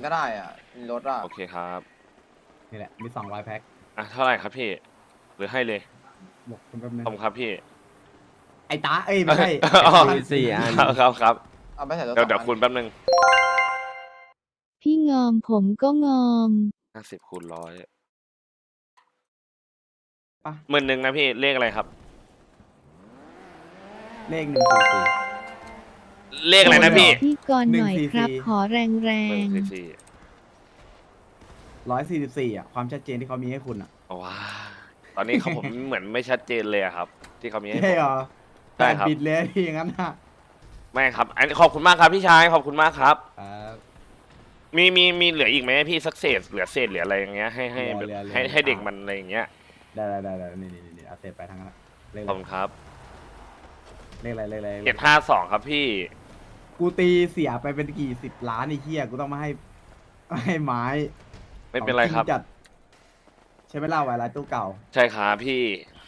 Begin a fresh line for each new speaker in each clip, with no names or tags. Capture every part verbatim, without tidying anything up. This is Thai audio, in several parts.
ก็ได้อ่ะมีรถอ่ะ
โอเคครับ
นี่แหละมีสองร้อยแพ็ค
อ่ะเท่าไหร่ครับพี่หรือให้เลย
บอกคุณแป๊บนึง
ขอบคุณครับพี่
ไอ้ตาเอ้ยไม่ใช่
อ๋อ
มีสี่อัน
ครับครับครับ
เอาไปใส่รถ
เดี๋ยว
สอง
เดี๋ยว
อัน
คูณแป๊บนึง
พี่งอมผมก็งอม
ห้าสิบคูณร้อย
ปะ
หมื่นหนึ่งนะพี่เลขอะไรครับ
เลขหนึ่งสี่สี่
เลขอะไรนะพี่
พี่กรณ์หน่อย
หนึ่งสี่
ครับ
สี่
ขอแรงแร
หนึ่
ง
งสี่สี่
ร้อยสี่สิบสี่อ่ะความชัดเจนที่เขามีให้คุณอ่ะ
ว้าตอนนี้เขาผม เหมือนไม่ชัดเจนเลยอะครับ ที่เขามีให้ผ
ใช่
ม
เหรอ
ใช่ครับ
แต่บิดเลยที่อย่างนั้นอ่ะ
ไม่ครับอันนี้ขอบคุณมากครับพี่ชายขอบคุณมากครับ
อ่า
มีมีมีเหลืออีกไหมพี่สักเศษเหลือเศษเหลืออะไรอย่างเงี้ยให้ให้
เหลือ
แบบ
เหลือเหลือ
ให้ให้เด็กมันอะไรอย่างเงี้ย
ได้ได้ได้ได้นี่นี่นี่เอาเสร็จไปทางนั้นอะเลข
ข
อะ
อบ
ไร
คุณครับ
เลขอะไรเลขอะไรเลข
เจ็ด
อะไร
ห้าสองครับพี่
กูตีเสียไปเป็นกี่สิบล้านไอ้เหี้ยกูต้องมาให้ให้ไม้
ไม่เป็นไรครับ
ของจงจัดใช้เวลาไว้ไรตู้เก่า
ใช่ครับพี่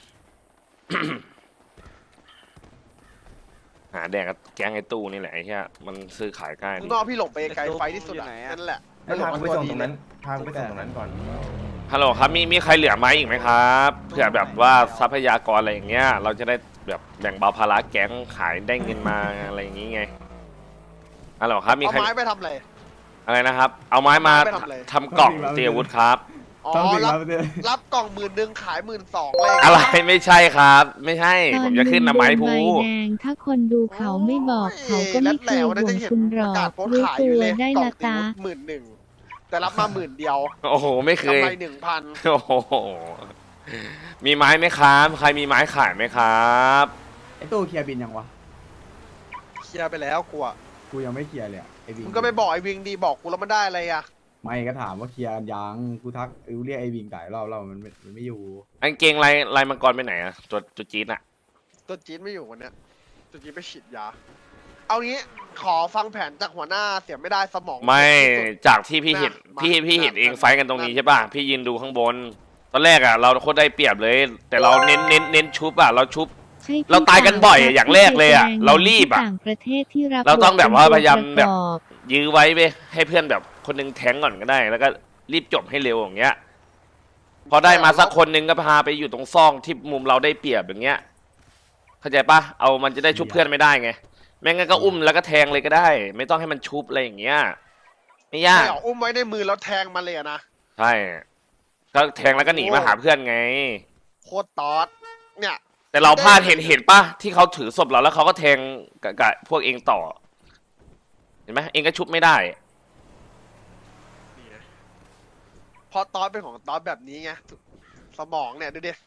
หาแดกกับแก๊งไอ้ตู้นี่แหละไอ้เหี้ยมันซื้อขายง่าย
มึ
ดี
งต้องเอาพี่หลงไปไกลไฟที่สุดอะนั่นแหละ
ให้พาไปส่งตรงนั้นพาไปส่งตรงนั้นก่อน
ฮัลโหลครับมีมีใครเหลือไหมอีกไหมครับเผื่อแบบว่าทรัพยากรอะไรอย่างเงี้ย เราจะได้แบบแบ่งเบาภาระแก๊งขายได้เงินมาอะไรอย่างงี้ไงฮัลโหลครับมี
เอา
ใคร
ไม้ไปทำอะไร
อะไรนะครับ เอาไม้มา
ไม่ทำอะไร
ทำกล่องเตรียมอาวุธครับ
อ๋อ
ต้องถึง
รั
แล้
บ
วเนี่ย
รับกล่องหมื่นหนึ่งขายหมื่นสองเลย
อะไรไม่ใช่ครับ ไม่ใช่
ตอ
ผ
น
มจะขึ้นนะไม้พู
ใบแดงถ้าคนดูเขาไม่บอกเขาก็ไม่เคยห่วงคุณหรอกรู้ตัวได้ละตา
หมื่นหนึ่งแต่รับมาหมื่นเดียว
โอ้โหไม่เคย
กำไรหนึ่งพัน
โอ้โหมีไม้ไหมครับใครมีไม้ขายไหมครับ
ไอ้ตู้เคลียร์บินยังวะ
เคลียร์ไปแล้วกูอะ
กูยังไม่เคลียร์เลยอะไอ้บิง
มึงก็ไม่บอกไอ้วิงดีบอกกูแล้วมันได้อะไรอะ
ไม่ก็ถามว่าเคลียร์กันยังกูทักเออเรียกไอ้บิงไก่รอบแล้วมันไม่มันไม่อยู่
กางเกงลายลายมังกรไปไหนอะตัวตัวจี๊ดอะ
ตัวจีนไม่อยู่วันเนี้ยตัวจีนไปฉีดยา เอางี้ขอฟังแผนจากหัวหน้าเสียไม่ได้สมอง
ไม่
ที่สุด
จากที่พี่เห็น
มา
พี่พี่
มา
เห็นเอง
มา
ไฟท์กันตรงนี้ใช่ป่ะพี่ยืนดูข้างบน ตอนแรกอะเราโคตรได้เปรียบเลย แต่เราเน้นเน้นเน้นชุบอะเราชุบ
ใช่พี่
เราตายกันบ่อยอะอย่างแรกเลยอะ
ที่
เรารีบอะ
ต่างประเทศที่รับ
เราต้องแบบว่าพยายามแบบ
ประกอบ
ยื้อไว้ไปให้เพื่อนแบบคนหนึงแทงก่อนก็ได้ แล้วก็รีบจบให้เร็วอย่างเงี้ย พอได้มาสักคนหนึงก็พาไปอยู่ตรงซ่องที่มุมเราได้เปรียบอย่างเงี้ย เข้าใจปะเอามันจะได้ชุบเพื่อนไม่ได้ไงแม่งั้นก็อุ้มแล้วก็แทงเลยก็ได้ ไม่ต้องให้มันชุบอะไรอย่างเงี้ยไม่ยาก
ไม่เอาอุ้มไว้ในมือแล้วแทงมาเลยอะนะ
ใช่ก็แทงแล้วก็หนีมาหาเพื่อนไง
โคตรตอดเนี่ย
แต่เราพลาดเห็นเห็นปะที่เขาถือศพเราแล้วเขาก็แทงกับกับพวกเองต่อ เห็นไหมเองก็ชุบไม่ได้
นี่ไงเพราะตอดเป็นของตอดแบบนี้ไงสมองเนี่ยดูดิ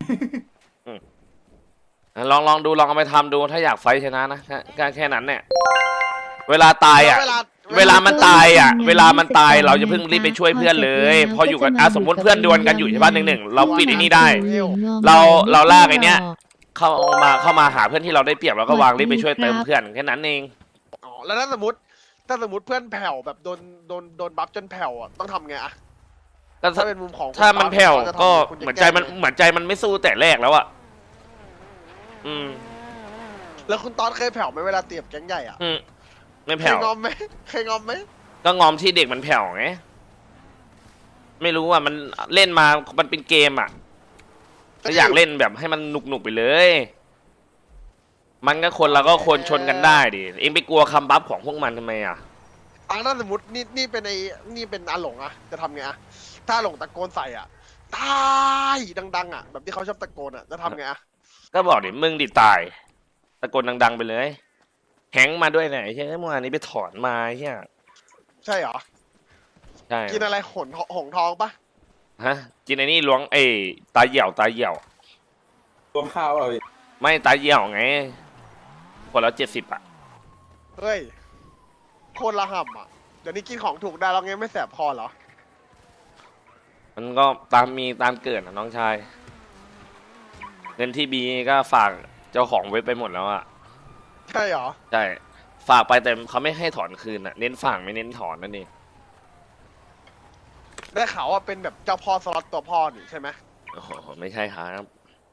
ลองลองดูลองเอาไปทำดูถ้าอยากไฟท์ชนะนะแค่แค่แค่นั้นเนี่ยเวลาตายอ่ะ
เวลา
เวลามันตายอ่ะ เวลามันตายเราจะเพิ่งรีบไปช่วยเพื่อนเลย พออยู่กันอ่ะสมมติเพื่อนดวลกันอยู่ใช่ป่ะหนึ่งหนึ่งเราปิดไอ้นี่ได้ เราเราลากไอ้เนี้ย เข้ามาเข้ามาหาเพื่อนที่เราได้เปรียบแล้วก็วางรีบไปช่วยเติมเพื่อนแค่นั้นเอง
อ๋อแล้วถ้าสมมติถ้าสมมติเพื่อนแผ่วแบบโดนโดนโดนบัฟจนแผ่วอ่ะต้องทำไงอะ
ก็
ถ้าเป็นมุมของคุณ
ถ้ามันแผ่ว
ตอดจะทำ
ก็
ไงคุณจะ
เหมือนใจมัน
แก้ไง
เหมือนใจมันไม่สู้แต่แรกแล้วอ่ะอืม
แล้วคุณตอดเคยแผ่วไหมเวลาเตียบแก๊งใหญ่อ่ะ
อืมไม่
เค
แผ่
ยว งอมไหมเคยงอมไหม
ก็งอมที่เด็กมันแผ่วไงไม่รู้อ่ะมันเล่นมามันเป็นเกมอ่ะก็อยากเล่นแบบให้มันหนุกหนุกๆไปเลย มันก็คนเราก็คนชนกันได้ดิเองไปกลัวคำบัฟของพวกมันทำไมอ่ะ
อ่ะถ้าสมมตินี่นี่เป็นไอ้นี่เป็นอาหลงอะจะทำไงอะถ้าอาหลงตะโกนใส่อ่ะตายดังๆอ่ะแบบที่เขาชอบตะโกนอ่ะจะทำไงอะ
ก็บอกดิมึงดิตายตะโกนดังๆไปเลยแฮงก์มาด้วยเนี่ยไอ้เช่เมื่อวานนี้ไปถอนมาไอ้เช่ย
ใช่เหรอ
ใช่
กินอะไรหนหงทองปะ
ฮะจินไอ้นี่ล้วงเอ้ยตาเหี่ยวตาเหี่ยว
ตัวข้าวเรา
ไม่ตาเหี่ยวไงคนละเจ็ดสิบอ่ะ
เฮ้ยโคตรละห่ำอ่ะเดี๋ยวนี้กินของถูกได้แล้วไงไม่แสบคอเหรอ
มันก็ตามมีตามเกิดนะน้องชายเงินที่บีก็ฝากเจ้าของเว็บไปหมดแล้วอ่ะ
ใช่เหรอ
ใช่ฝากไปแต่เขาไม่ให้ถอนคืนอ่ะเน้นฝากไม่เน้นถอนนั่นเอง
ได้ข่าวว่าเป็นแบบเจ้าพ่อสล็อตตัวพ่อนี่ใช่ไหม
โอ้โหไม่ใช่ครับ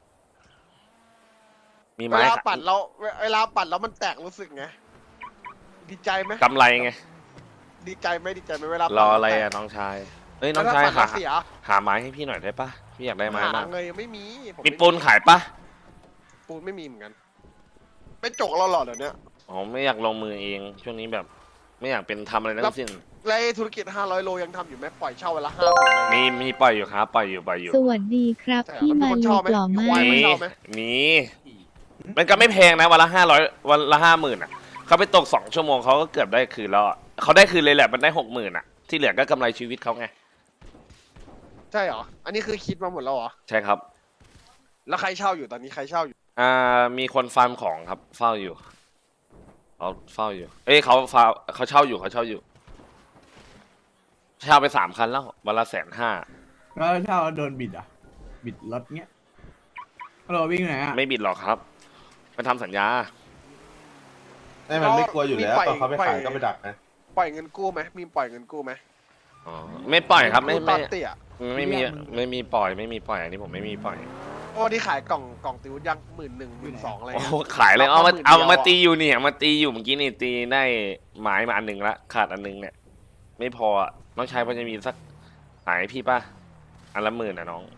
มี
เว
ไม้
ลาปั่นแล้วเวเวลาปั่นแล้วมันแตกรู้สึกไงดีใจไหม
กำไรไง
ดีใจไหมดีใจไหมเวลาร
ออะไรอ่ะน้องชายเอ้ยน้อง
แล้ว
ชาย
ถ้า
หา
เสีย
หาไม้ให้พี่หน่อยได้ปะพี่อยากได้ไม้
หาม
าก
เงยยังไม่มีผ
มีปูนขายปะ
ปูนไม่มีเหมือนกันไม่จกเราหรอเดี๋ยวนี้
อ๋อไม่อยากลงมือเองช่วงนี้แบบ ไม่อยากเป็นทำอะไรทั้งสิ้น
แล้วไอ้ธุรกิจห้าร้อยโลยังทำอยู่ไหมปล่อยเช่าวันละห้าหมื่น
มีมีปล่อยอยู่ครับปล่อยอยู่ปล่อยอยู่
สวัสดีครับพี่มาลูกหล่อ
มี
มา
คน
มี
ชอบ
ก
ไหม
มี มันก็ไม่แพงนะวันละห้าร้อยวันละห้าหมื่นอ่ะเขาไปตกสองชั่วโมงเขาก็เกือบได้คืนแล้วอะเขาได้คืนเลยแหละมันได้หกหมื่นอ่ะที่เหลือก็กำไรชีวิตเขาไง
ใช่เหรออันนี้คือคิดมาหมดแล้วเหรอ
ใช่ครับ
แล้วใครเช่าอยู่ตอนนี้ใครเช่าอยู่
อ่ามีคนฟาร์มของครับเฝ้าอยู่เขาเฝ้าอยู่ เอ้ยเขาฟาเขาเช่าอยู่เขาเช่าอยู่ เช่าไปสามคันแล้ววันละแสนห้า
แล้วถ้าเราโดนบิดอ่ะ บิดรถเงี้ยเราวิ่งไหนอ่ะ
ไม่บิดหรอกครับไปทำสัญญา
ไม่มันไม่กลัวอยู่แล้ว
มีปล่อย
ตอนเขาไป
ปล่อย
ขายก็ไปดักนะ
ปล่อยเงินกู้ไหมมีปล่อยเงินกู้ไหม
อ๋อไม่ปล่อยครับไม่
กู้ต
ไม่
อนเตี้ย
ไม่มีไม่มีปล่อยไม่มีปล่อยอันนี้ผมไม่มีปล่อย
โอ้ที่ขายกล่องกล่องติวยังหมื่นหนึ่งหมื่นสองอะไร
โอ้
เงี้ย
โหขายเลยเอามา
หมื่นเดียว
เอามา
อะ
ตีอยู่เนี่ยมาตีอยู่เมื่อกี้นี่ตีได้ไม้มาอันหนึ่งละขาดอันหนึงเนี่ย ไม่พออะน้องชายพอจะมีสักขายให้พี่ป่ะอันละหมื่นอ่ะน้อง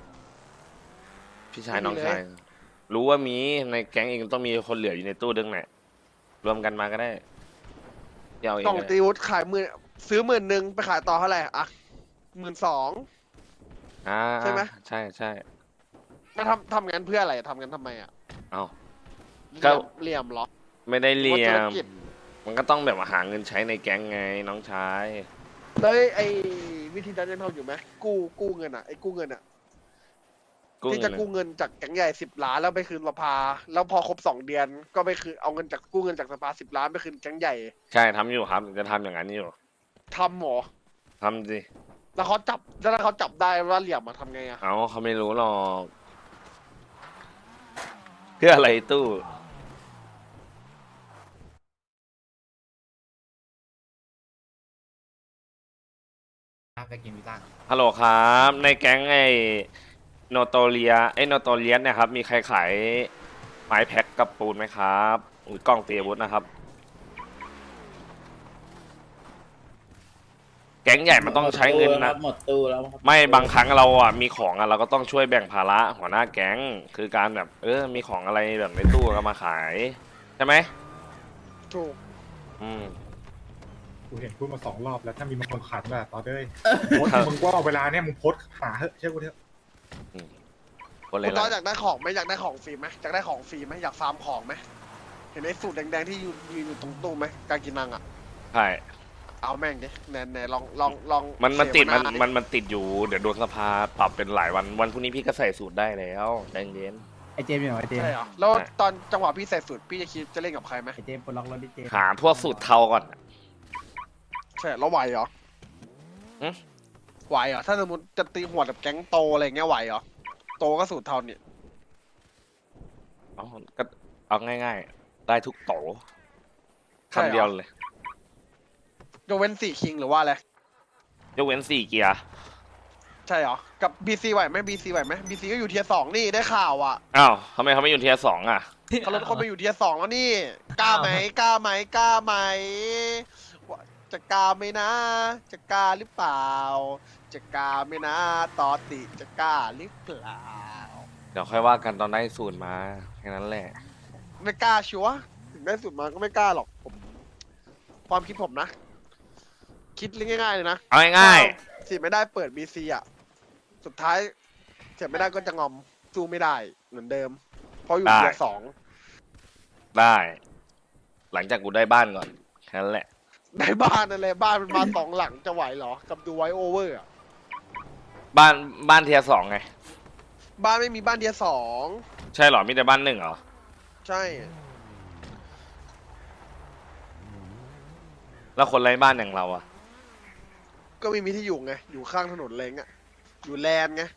พี่ชายน้องชายรู้ว่ามีในแก๊งเองต้องมีคนเหลืออยู่ในตู้ดึงแหละรวมกันมาก็ได้เดี๋ยวเอาเอง
กล่อง
ก็ได้
ติวขายหมื่นซื้อหมื่นหนึ่งไปขายต่อเท่าไหร่อะหมื่นสอง
อ่า
ใช่ไหม
ใช่ใช่
มาทำทำงานเพื่ออะไรทำกันทำไมอ่ะ
เอา
เห
ก็
ลี่ยมเหลี่ยมเหรอ
ไม่ได้เรีย
ธุร
ม
กิจ
มันก็ต้องแบบหาเงินใช้ในแก๊งไงน้องชาย
แล้วไอ้วิธีนั้นยังทำอยู่ไหมกู้กู้เงินอ่ะไอ้กู้เงินอ่ะ
กู้
ที่
เงิ
จะ
น
กู้เงินจากแก๊งใหญ่สิบล้านแล้วไปคืนสภา แล้วพอครบสองเดือนก็ไปคืนเอาเงินจากกู้เงินจากสภาสิบล้านไปคืนแก๊งใหญ่
ใช่ทำอยู่ครับจะทำอย่างนั้นอยู่
ทำหมอ
ทำสิ
แล้วเขาจับแล้วถ้าเขาจับได้ว่าเหลี่ยมมาทำไงอ่ะ
เอาเขาไม่รู้หรอกเพื่ออะไรตู้
ไปกินพิซซ่า
ฮัลโหลครับ ในแก๊งไอ้โนโตเลียไอ้โนโตเลียสเนี่ยครับมีใครขายไม้แพ็คกับปูนไหมครับหรือกล้องเตรียมอาวุธนะครับ แก๊งใหญ่มันต้องใช้เงินนะ
หมดตู้แล้วครับ
ไม่บางครั้งเราอ่ะมีของอ่ะเราก็ต้องช่วยแบ่งภาระหัวหน้าแก๊งคือการแบบ เออมีของอะไรแบบในตู้ก็มาขายใช่ไหม
ถูก
อืม
กูเห็นพูดมาสองรอบแล้วถ้ามีบางคนขัดแบบตอนเด้ยโพสต์มึงก็เวลาเนี่ยมึงโพสต์หาเถอะเชื่อกูเถอะ
คนเล
คุ
ย
ณตอนอ
ละ
ยากได้ของไหมอยากได้ของฟรีไหมอยากได้ของฟรีไหมอยากฟาร์มของไหมเห็นไอ้สูตรแดงๆที่ยืนยืนอยู่ตรงตู้ไหมการกินนังอ่ะ
ใช่
เอาแม่งดิแน่แน่ลองลองลอง
มันมันติดมัน
เสวา
มันมันติดอยู่เดี๋ยวโดนสภาปรับเป็นหลายวันวันพรุ่งนี้พี่ก็ใส่สูตรได้แล้วใจเย็น
ไอเจมส์อยู่ไหนไอเจมส์
ใช่เหรอแล้ว
ใช่
ตอนจังหวะพี่ใส่สูตรพี่จะคิดจะเล่นกับใครไหม
ไอเจมส์ปลดล็อกรถดิเจมส์
หาพวกสูตรเทาก่อน
ใช่แล้วไหวเหรอ
หึ
ไหวเหรอถ้าสมมติจะตีหัวกับแก๊งโตอะไรเงี้ยไหวเหรอโตก็สูตรเทาเนี่ย
เอาก็เอาง่ายๆ ได้ทุกโตคำเดียวเลย
ยกเว้นสี่คิงหรือว่าอะไร
ยกเว้นสี่เกียร์
ใช่เหรอกับ บี ซี ไหวไหม บี ซี ไหวไหม บี ซี ก็อยู่เทียร์สองนี่ได้ข่าวอ่ะ
อ้าวทำไมเขาไม่อยู่เทียร์สองอ่ะ
เขาลดคนไปอยู่เทียร์สองแล้วนี่กล้าไหมกล้าไหมกล้าไหมว่าจะกล้าไหมนะ จะกล้าหรือเปล่า จะกล้าไหมนะตอติจะกล้าหรือเปล่า
เดี๋ยวค่อยว่ากันตอนได้สูตรมาแค่นั้นแหละ
ไม่กล้าชัวร์ถึงได้สุดมาก็ไม่กล้าหรอกผมความคิดผมนะ คิดง่ายๆเลยนะ
เอาง่าย
เสียไม่ได้เปิด บี ซี อ่ะ สุดท้ายเสียไม่ได้ก็จะงอมสู้ไม่ได้เหมือนเดิม เพราะอยู่เทียร์สอง
ๆได้ หลังจากกูได้บ้านก่อนแค่นั้นแหละ
ได้บ้านอะไรบ้านมันมาสองหลังจะไหวเหรอ กับดูไวโอเวอร์อะ
บ้านบ้านเทียร์สองไง
บ้านไม่มีบ้านเทียร์สอง
ใช่เหรอมีแต่บ้านหนึ่งเหรอ
ใช่
แล้วคนไร้บ้านอย่างเราอ่ะ
ก็ไม่มีที่อยู่ไง อยู่ข้างถนนเลงอะอยู่แลนด์ไง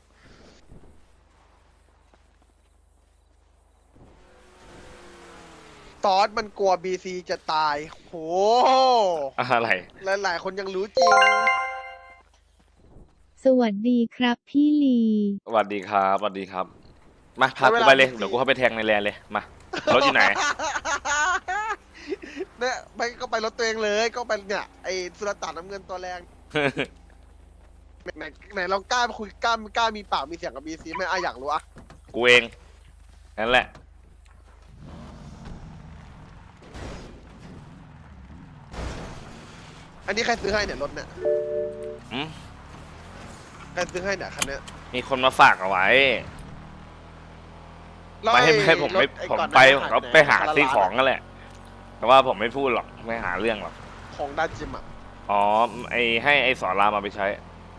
ตอสมันกลัว บี ซี จะตาย โห
อะไร
หลายๆคนยังรู้จริง
สวัสดีครับพี่ลี
สวัสดีครับสวัสดีครับ มาพา
แล้วเว
กู
ลา
ไปเลย
มี
เดี๋ยวกูเข้าไปแทงในแลนเลย มา รถอยู่ไหน
เนี่ยไปก็ไปรถตัวเองเลยก็ไปเนี่ยไอ้สุลต่านน้ำเงินตัวแรง ไหนไหนเรากล้าคุยกล้ากล้ามีปากมีเสียงกับบีซีไหมอ่ะอยากรู้อ่ะ
กูเองนั่นแหละ
อันนี้ใครซื้อให้เนี่ยรถเนี่ย
อืม
ใครซื้อให้เนี่ยคันเนี้ย
มีคนมาฝากเอาไว้
แล้ว
ไม่ให้
อ้
ไม่ให้ผม
ร
ไม่
ถอ้
ผม
ก่อนห
ไป
น้า
ผมก็
หาย
ไปหา
คันละ
ซื้อ
ล้น
ของนั่นแหละ แต่ว่าผมไม่พูดหรอกไม่หาเรื่องหรอก
ของด้านจิมอ่ะ
อ๋อไอให้ไอสอนรามเอาไปใช้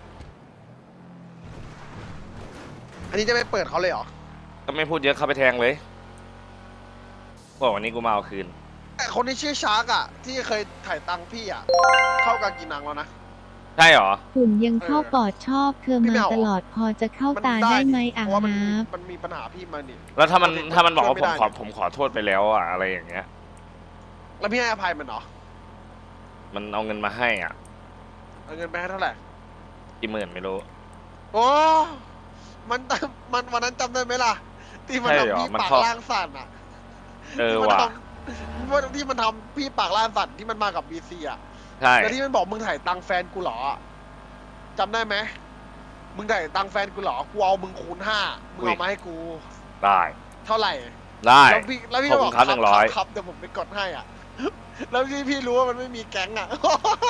อันนี้จะไม่เปิดเขาเลยเหรอ
ก็ไม่พูดเยอะเข้าไปแทงเลยบอกวันนี้กูมาเอาคืน
แต่คนที่ชื่อชาร์กอ่ะ ที่เคยถ่ายตังค์พี่อ่ะ เข้ากับกินังแล้วนะ
ใช่เหรอ
หุ่นยังเข้าปอดชอบเธอ
พี่ไม่
มา
เอา
ตลอดพอจะเข้า
มัน
ตาได้ไหม
ดิ
อ่ะ
เพราะว่ามัน
นั
มี
บ
มันมีปัญหาพี่มานี่
แล้วถ้ามัน
ปกติ
ถ้ามันบอกว่า
ช่
ผ
วย
ม
ไม่
ขอ
ได้
ผมขอโทษไปแล้วอะอะไรอย่างเงี้ย
แล้วพี่ให้อภัยมันเหรอ
มันเอาเงินมาให้อ่ะ
เอาเงินไปให้เท่าไหร่
กี่หมื่นไม่รู้
โอ้ มันมันวันนั้นจำได้ไหมล่ะ ที่มัน
ใช่เหรอ
ทำพี่
มัน
ปาก
เข้า
ล่างสั่นอ่ะ
เออ
ที่มัน
ว่ะ
ทำว่าที่มันทำพี่ปากล่างสั่นที่มันมากับบีซีอ่ะ
ใช่
แล้วที่มันบอกมึงถ่ายตังค์แฟนกูเหรอจำได้ไหมมึงถ่ายตังค์แฟนกูเหรอ กูเอามึงคูณห้ามึงเอามาให้กู
ได้
เท่าไหร่
ได้
แล้วพี่แล้วพี่
ขอบ
ก็
คุ
บอ
ณ
ก
ครับหนึ่งร้อย
ครับเดี๋ยวผมไปกดให้อ่ะ แล้วที่พี่รู้ว่ามันไม่มีแก๊งอ่ะ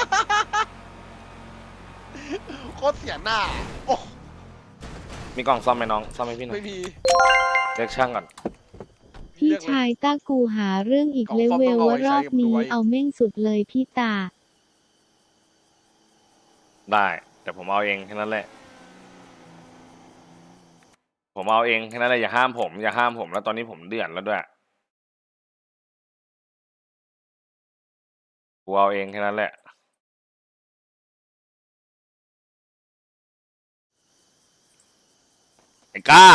โคตรเสียหน้า โอ้
มีกล่องซ่อมไหมน้องซ่อมให้พี่หน่อ
ไม่
ย
มี
เรียกช่างก่อน
พี่
เลือกเลย
ชายต้ากูหาเรื่องอีก
ของ
เล
ฟอร์ม
เว
ต้อง
ล
เอาไว้
ว่ารอบ
ใช้กับ
นี้
ตัวไว้
เอาเม่งสุดเลยพี่ตา
ได้แต่ผมเอาเองแค่นั้นแหละ ผมเอาเองแค่นั้นแหละอย่าห้ามผมอย่าห้ามผมแล้วตอนนี้ผมเดือดแล้วด้วยกูเอาเองแค่นั้นแหละไอ้ก้า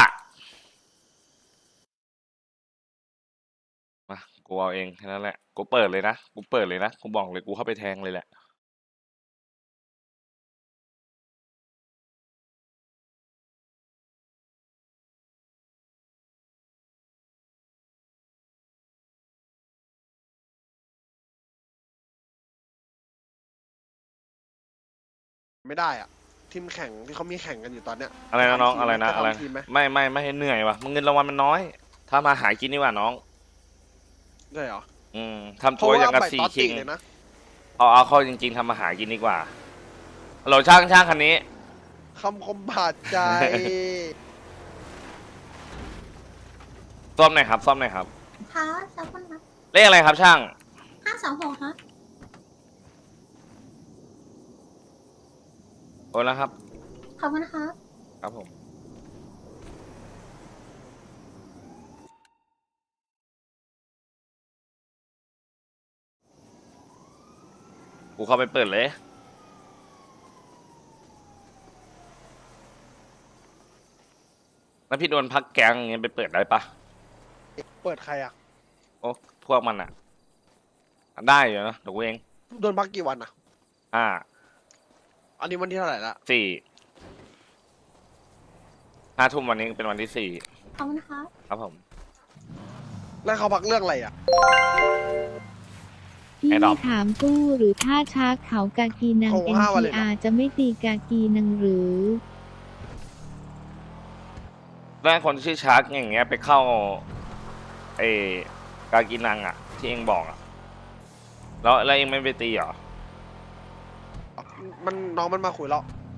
มากูเอาเองแค่นั้นแหละกูเปิดเลยนะกูเปิดเลยนะกูบอกเลยกูเข้าไปแทงเลยแหละ
ไม่ได้อ่ะ ทีมแข่งที่เขามีแข่งกันอยู่ตอนเนี้ย
อะไรนะน้องอะไรนะ
จ
อะไร
ทำทีมไหม
ไม่ไม่ไม่ให้เหนื่อยวะมึงเงินรางวัลมันน้อยถ้ามาหากินดีกว่าน้อง
ใช่เหรอ
อืมทำตัวอย่างกับ
ไป
สี่
ตอต
คิ
ติ
ง
เลยนะ
เอาเอาเข้าจริงๆทำมาหากินดีกว่าฮัลโหลช่างช่างคันนี้
คำคมบาดใจ
ซ่อมหน่อยครับซ่อมหน่อยครับ
ค่ะขอบคุณครับ
เลขอะไรครับช่าง
ห้าสองหกครับ
โอนแล้วครับ
ขอบคุณครับ
ครับผมกูเข้าไปเปิดเลยแล้วพี่โดนพักแกงอย่างเงี้ยไปเปิดได้ปะ
เปิดใครอ่ะ
โอ้พวกมันอะได้อยู่นะเดี๋ยวกูเอง
โดนพักกี่วันอ่ะ
อ่า
อันนี้วันที่เท่าไหร่ละ
สี่ห้าทุ่มวันนี้เป็นวันที่สี่
ขอบคุณครับ
ครับผม
แล้วเขาพักเรื่องอะไรอ่ะ
พี่
ไอ้ดอก
ถามกู้หรือถ้าช้าเขากากีนัง
โอ้
เอ็น
ห้าวัน
ที
เลยเหรอ
อาร์จะไม่ตีกากีนังหรือ
แล้วคนชื่อชาร์กอย่างเงี้ยไปเข้าไอ้กากินังอะที่เองบอกอะแล้วแล้วเองไม่ไปตีเหรอ
มันน้องมันมาคุยแล้ว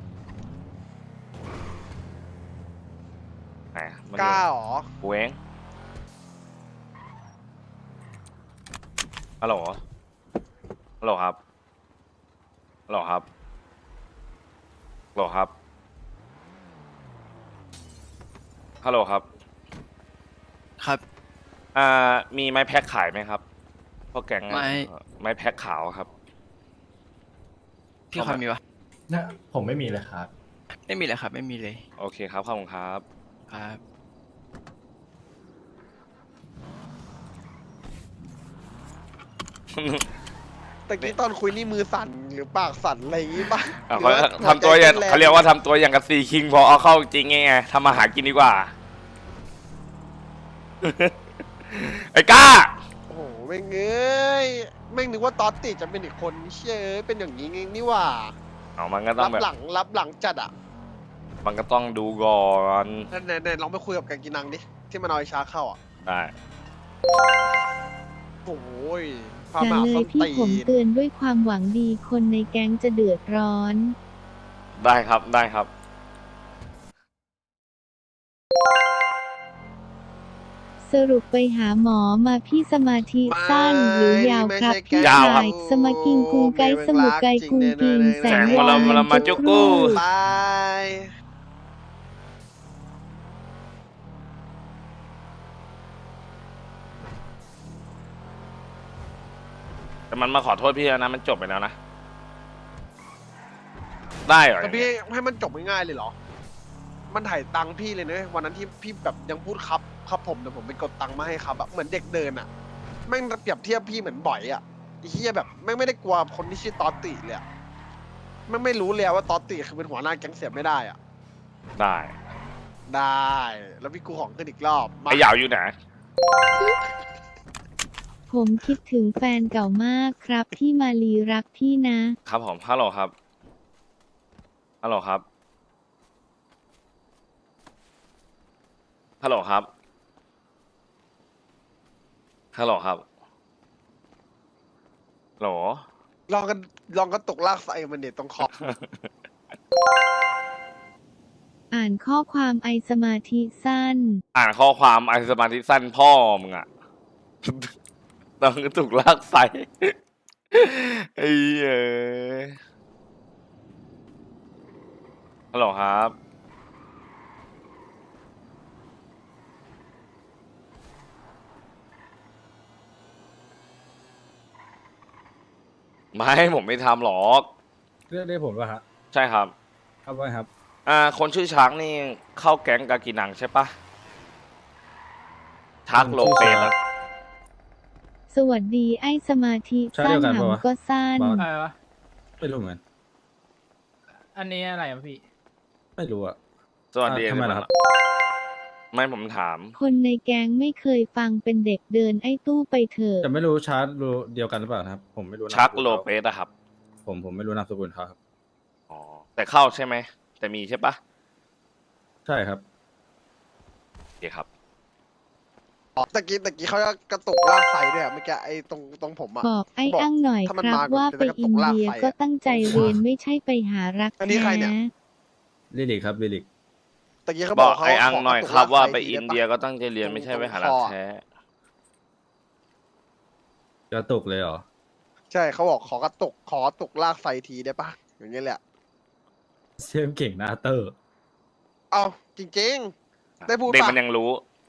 ไหนมัน
กล้าเหรอ
กูเองฮัลโหลฮัลโหลครับฮัลโหลครับฮัลโหลครับฮัลโหลครับ
ครับ
อ่ามีไม้แพ็คขายไหมครับพวกแกงอะ
ไม้
ไม้แพ็คขาวครับ
พี่คอยมีปะ
นะผมไม่มีเลยครับ
ไม่มีเลยครับ ไม่มีเลย
โอเคครับขอบคุณครับ
ครับ
แต่กี้ตอนคุยนี่มือสั่นหรือปากสั่นอะไรอย่างงี้ป่ะ
อ่ะ
หรือ
เขา
ว่า
ทำตัวอย่าง
หัใจต้นแ
เขาเรียกว่าทำตัวอย่างกับซีคิงพอเอาเข้าจริงไงไงทำมาหากินดีกว่า ไอ้ก้า
โอ้โหไม่เงยแม่งนึกว่าตอตติจะเป็นอีกคนเชื่อเป็นอย่างนี้นี่หว่า
เอามันก็ต้อ
รั
ง
บ
แบบ
หลังรับหลังจัดอ่ะ
มันก็ต้องดูก่อน
ไหนไหนลองไปคุยกับแกงกินังดิที่มันเอาไอ้ชาเข้าอ่ะ
ได้
โอ้ยพา
อย่า
มา
เล
ส้
ย
น
พี่
ตี
ผม
น
เตือนด้วยความหวังดีคนในแก๊งจะเดือดร้อน
ได้ครับได้ครับ
สรุปไปหาหมอมาพี่สมาธิสั้นหรือยาวครับพี่
ยาวครั
ชา
บ
ยสมากิงกุงไกสมุไกกุงกิงแสง
ว
วาน
วรมาจุกกู้
บาย
แต่มันมาขอโทษพี่แล้วนะมันจบไปแล้วนะ ได้เหรอ
แต่พี่ให้มันจบง่ายๆเลยเหรอ มันถ่ายตังค์พี่เลยนะวันนั้นที่พี่แบบยังพูดครับครับผมเดี๋ยวผมไปกดตังค์มาให้ครับอะเหมือนเด็กเดินอะแม่งเปรียบเทียบพี่เหมือนบ่อยอะไอ้เหี้ยแบบแม่งไม่ได้กลัวคนที่ชื่อตอตติเลยอะแม่งไม่รู้เลยว่าตอตติคือเป็นหัวหน้าแก๊งเสียไม่ได้อะ
ได้
ได้ แล้วพี่กูของขึ้นอีกรอบมา
ไอ้ยาวอยู่ไหน
ผมคิดถึงแฟนเก่ามากครับพี่มาลีรักพี่นะ
ครับผมฮัลโหลครับฮัลโหลครับฮัลโหลครับฮัลโหลครับฮัลโหล
ลองกันลองกันตกลากใส่มันเด็ดตรงขอบ
อ่านข้อความไอสมาธิสั้น
อ่านข้อความไอสมาธิสั้นพ่อมึงอะ ต้องถูกลากใส่ ไอ้เอ้ยฮัลโหลครับ ไม่ผมไม่ทำหรอก
เรียกได้ผมว่าฮะ
ใช่ครับ
ครับว่าครับ
อ่า คนชื่อช้างนี่เข้าแก๊งกากีนังใช่ปะชักโลเปสอะ
สวัสดีไอสมาธิ
ใช่
สั้
เดี
น
ยวกันปะวะ
หำก็สั้น
บอส
อะไรวะ
ไม่รู้เหมือนกัน
อันนี้อะไรอ่ะพี่
ไม่รู้อะ
สวัสดี
อ่ะทำไมล่ะครับ
ไม่ผมถาม
คนในแก๊งไม่เคยฟังเป็นเด็กเดินไอ้ตู้ไปเถอะ
แต่ไม่รู้ชาร์จรู้เดียวกันหรือเปล่านะครับ ผมไม่รู้นาม
ชัก
สกุ
โล
เขา
เปสอะครับ
ผมผมไม่รู้นามสกุลเขาครับ
อ๋อ แต่เข้าใช่ไหม แต่มีใช่ปะ
ใช่ครับ
โอเคครับ
ตะกี้ตะกี้เขาจะกระตุกลากใส่ด้วยอะเมื่อกี้ไอ้ตรงตรงผมอะ
บอกไอ้
บอก
อั้งหน่อย
ถ้า
ค
มัน
รับ
มา
ว่า
จะ
ไป
กระตุ
อิ
ก
น
ลาก
เดีย
ไฟอะ
ก็ตั้งใจเรียนไม่ใช่ไปหารัก
อันนี้ใครเนี่ย
แท้
ลิลิกครับลิลิก
ตะกี้เขา
บบ อ
อก กเขา
ไอ้อัง
ข
หน่อย
กระตุก
ครับ
ลก
ว่า
ฟ
ไป
ที
อิน
ด้ปะ
เดียก็ตั้งใจเรียนไม่ใช่ไปหารักแท้
กระตุกเลยเหรอ
ใช่เขาบอกขอกระตุกขอกระตุกลากไฟทีได้ปะอย่างเงี้ยแหละ
เซมเก่งนะเตอร์
เอาจริง ๆ ได้พูด
เด็ก
ปะ
มันยังรู้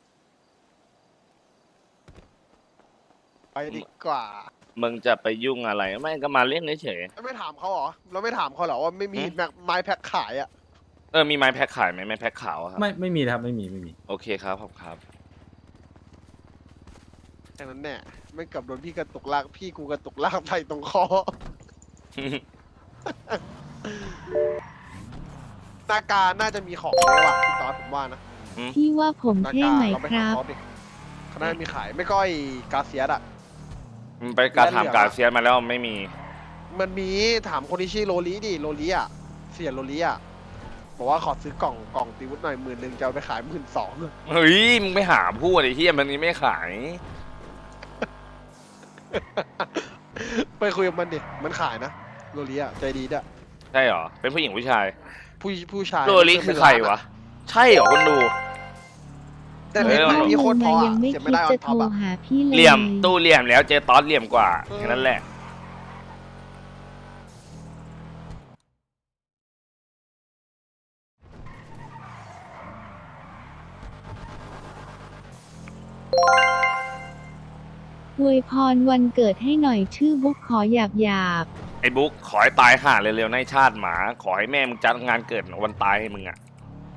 ไปดีกว่า
มึงจะไปยุ่งอะไร ไม่ก็มาเล่นเฉย
ไม่ถามเขาเหรอเราไม่ถามเขาเหรอว่าไม่มี
หืม
แม็กไม้แพ็คขายอะ
ๆเออ มีไม้แพ็คขายไหมไม้แพ็คขาวอะครับ
ไม่ไม่มีนะครับไม่มีไม่มี
โอเคครับขอบคุณครับ
แค่นั้นแน่ไม่เกับโดนพี่กระตุกลากพี่กูกระตุกลากไฟตรงคอ หน้ากาน่าจะมีของเยอะว่ะพี่ตอดผมว่านะ
ๆพี่ว่าผม
หน้า
เท่
กา
ไหม
เราไป
ค
หา
รับ
เขาดิเขาน่าจะมีขายไม่ก็ไอ้กาเซียสอะ
มันไปการถามการเซียนมาแล้วไม่มี
มันมีถามคนที่ชื่อโรลีดิโรลีอะเสียโรลีอะบอกว่าขอซื้อกล่องกล่องตีวุฒหน่อยหมื่นหนึ่งจะเอาไปขายหมื่นสอง
เฮ้ย มึงไปหาพูดไอ้เหี้ยมันนี้ไม่ขาย
ไปคุยกับมันดิมันขายนะโรลีอะใจดีด้วย
ใช่เหรอ เป็นผู้หญิงผู้ชาย
ผู้ผู้ชาย
โรลิคือใครวะ ใช่เหรอคนดู
แต่
เอ
เล่น
อ
ใหม่พี่โคตรพอ
มา
อะ
ยังไม่
เสีย
คิ
ไม่
ด
ได้ออ
จะ
น
โท
ท็อป
ร
อะ
หาพี่เลย
เหลี่ยม ตู้เหลี่ยมแล้วเจอตอสเหลี่ยมกว่า
เออ
แค่นั้นแหละ
อวยพรวันเกิดให้หน่อยชื่อบุ๊กขอหยาบหยาบ
ไอ้บุ๊กขอให้ตายห่าเร็วๆในชาติหมา ขอให้แม่มึงจัดงานเกิดวันตายให้มึงอ่ะ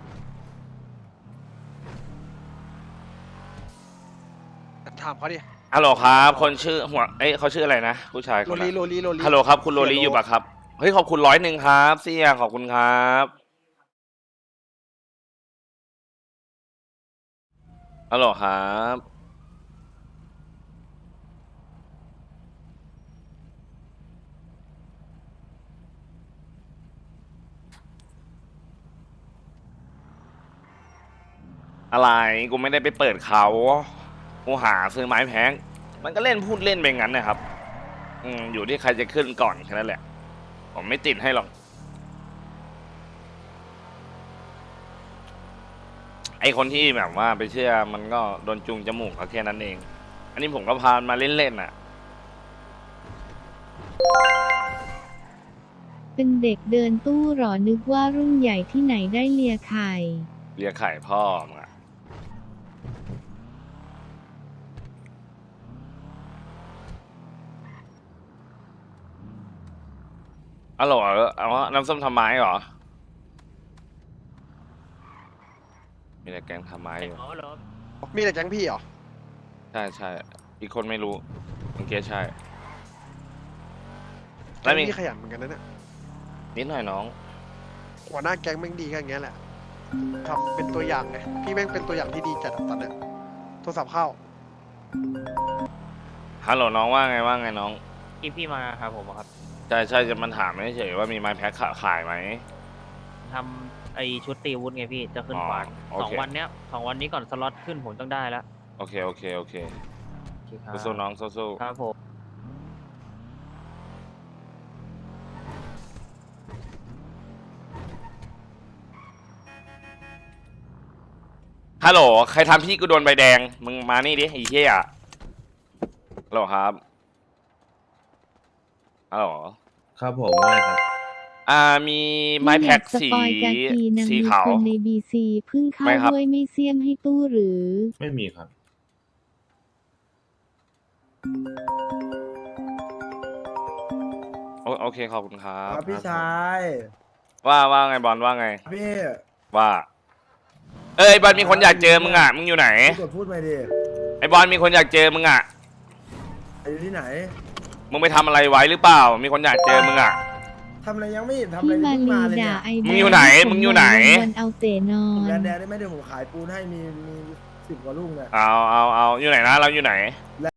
ถามเขาดิ
ฮัลโหลครับ คนชื่อหัวเอ้ยเขาชื่ออะไรนะ ผู้ชายค
โร
น
ลี
นั้น
โรลีโรลี
ฮัลโหลครับ คุณโรลี
เสียโล
อยู่ปะครับ เฮ้ยขอบคุณร้อยหนึ่งครับเสี่ยขอบคุณครับฮัลโหลครับอะไรกูไม่ได้ไปเปิดเขากูหาซื้อไม้แพงมันก็เล่นพูดเล่นไปงั้นนะครับอืมอยู่ที่ใครจะขึ้นก่อนแค่นั้นแหละผมไม่ติดให้หรอกไอคนที่แบบว่าไปเชื่อมันก็โดนจุงจมูกเขาแค่นั้นเองอันนี้ผมก็พามาเล่นๆน่ะ
เป็นเด็กเดินตู้หรอนึกว่ารุ่นใหญ่ที่ไหนได้เลียไข่
เรียกไข่พ่อมึงอะอ๋อเหรอเอาน้ำส้มทำไม้เหรอ มีแต่แกงทำไม้อยู่
มีแต่แก๊งพี่เหรอ
ใช่ใช่อีกคนไม่รู้เมื่อกี้ใช่ แล้
แก๊
ว
ง
มี
พี่ขยันเหมือนกันนะเนี่ย
นิดหน่อยน้อง
หัวหน้าแก๊งแม่งดีแค่อย่างเงี้ยแหละทำเป็นตัวอย่างไงพี่แม่งเป็นตัวอย่างที่ดีจัดอะตอนเนี้ยโทรศัพท์เข้า
ฮัลโหลน้องว่าไงว่าไงน้อง
ที่พี่มาครับผมครับ
ใช่ใช่จะมันถามไม่เฉยว่ามีไม้แพ็คขายไหม
ทำไอชุดตีวุฒิไงพี่จะขึ้น
อ๋อ
ขวาน
โอเค
สองวันเนี้ยสองวันนี้ก่อนสล็อตขึ้นผมต้องได้แล้ว
โอเคโอเคโอเค
โอเคครับ
สู้ๆน้องสู้
ครับผม
ๆฮัลโหลใครทำพี่กูโดนใบแดงมึงมานี่ดิไอ้เหี้ยฮัลโหลครับฮัลโหล
ครับผมไม่ครับ
อ่ามีไม้แพ็คสี
อยากสปอยกากีนาง
สี
มี
ขาว
คนในบีซีเพิ่งเข้า
ไม่ครับ
ด้วยไม่เสี่ยมให้ตู้หรือ
ไม่มีครับ
โอโอเคขอบคุณครับ
ครับพี่ชาย
ว่าว่าไงบอลว่าไง
พี่
ว่า เอ้ยบอลมีคนอยากเจอมึงอ่ะมึงอยู่ไหน
กดพูดมาดิ
ไอ้บอลมีคนอยากเจอมึงอ่ะ
อยู่ที่ไหน
มึงไปทำอะไรไว้หรือเปล่า มีคนอยากเจอมึงอ่ะ
ทำอะไรยังไม่เห็นทำอะไร
พี่มา
เพิ่ง
ลี
มาเลย
ด่า
เนี่ย
ไอ้
มึงอยู่ไหน
แบ
มึงอยู่ไหน
วันเอาเตะนอ
ผม
น
แดนแดนได้ไหมเดี๋ยวผมขายปูนให้มีมีสิบกว่าลูกเนี่ย
เอาเอาเอาอยู่ไหนนะเราอยู่ไหน